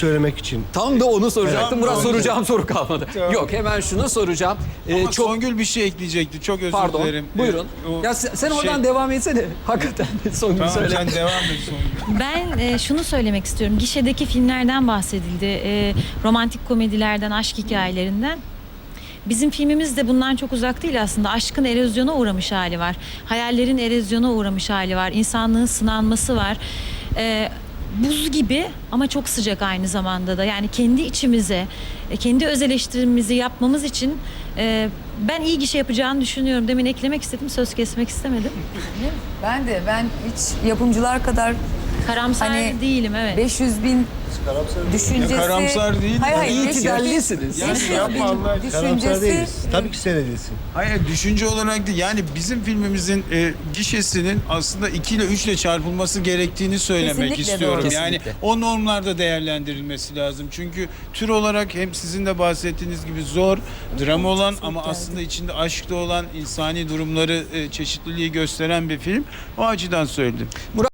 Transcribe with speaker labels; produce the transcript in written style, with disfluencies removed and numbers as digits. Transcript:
Speaker 1: söylemek için.
Speaker 2: Tam da onu soracaktım.
Speaker 3: Tamam,
Speaker 2: Murat,
Speaker 3: tamam.
Speaker 2: soracağım soru kalmadı.
Speaker 3: Tamam.
Speaker 2: Yok, hemen şunu soracağım.
Speaker 3: Ama
Speaker 2: Çok
Speaker 3: Songül bir şey ekleyecekti. Çok özür
Speaker 2: pardon.
Speaker 3: dilerim.
Speaker 2: Buyurun.
Speaker 3: O
Speaker 2: Ya sen
Speaker 3: şey-
Speaker 2: oradan devam etsene. Hakikaten Songül
Speaker 3: Tamam,
Speaker 2: söyle.
Speaker 3: sen devam et Songül.
Speaker 4: Ben şunu söylemek istiyorum. Gişedeki filmlerden bahsedildi. Romantik komedilerden, aşk hikayelerinden. Bizim filmimiz de bundan çok uzak değil aslında. Aşkın erozyona uğramış hali var. Hayallerin erozyona uğramış hali var. İnsanlığın sınanması var. Buz gibi ama çok sıcak aynı zamanda da. Yani kendi içimize, kendi öz eleştirimizi yapmamız için ben iyi gişe yapacağını düşünüyorum. Demin eklemek istedim, söz kesmek istemedim.
Speaker 5: Ben hiç yapımcılar kadar
Speaker 4: Karamsar
Speaker 5: Hani
Speaker 4: değilim, evet.
Speaker 5: 500 bin düşüncesi...
Speaker 3: Ya karamsar değil.
Speaker 5: Hayır, hayır.
Speaker 2: İyi
Speaker 5: 500 bin
Speaker 2: tidallisiniz.
Speaker 3: Ya
Speaker 5: 500
Speaker 3: yapma
Speaker 5: bin
Speaker 3: Allah aşkına.
Speaker 1: Karamsar
Speaker 5: düşüncesi...
Speaker 1: değiliz. Tabii ki seyredilsin.
Speaker 3: Hayır, düşünce olarak değil. Yani bizim filmimizin gişesinin aslında 2 ile 3 ile çarpılması gerektiğini söylemek
Speaker 5: Kesinlikle
Speaker 3: istiyorum.
Speaker 5: doğru.
Speaker 3: Yani
Speaker 2: Kesinlikle.
Speaker 3: o normlarda değerlendirilmesi lazım. Çünkü tür olarak hem sizin de bahsettiğiniz gibi zor, drama olan ama aslında içinde aşk da olan insani durumları, çeşitliliği gösteren bir film. O açıdan söyledim.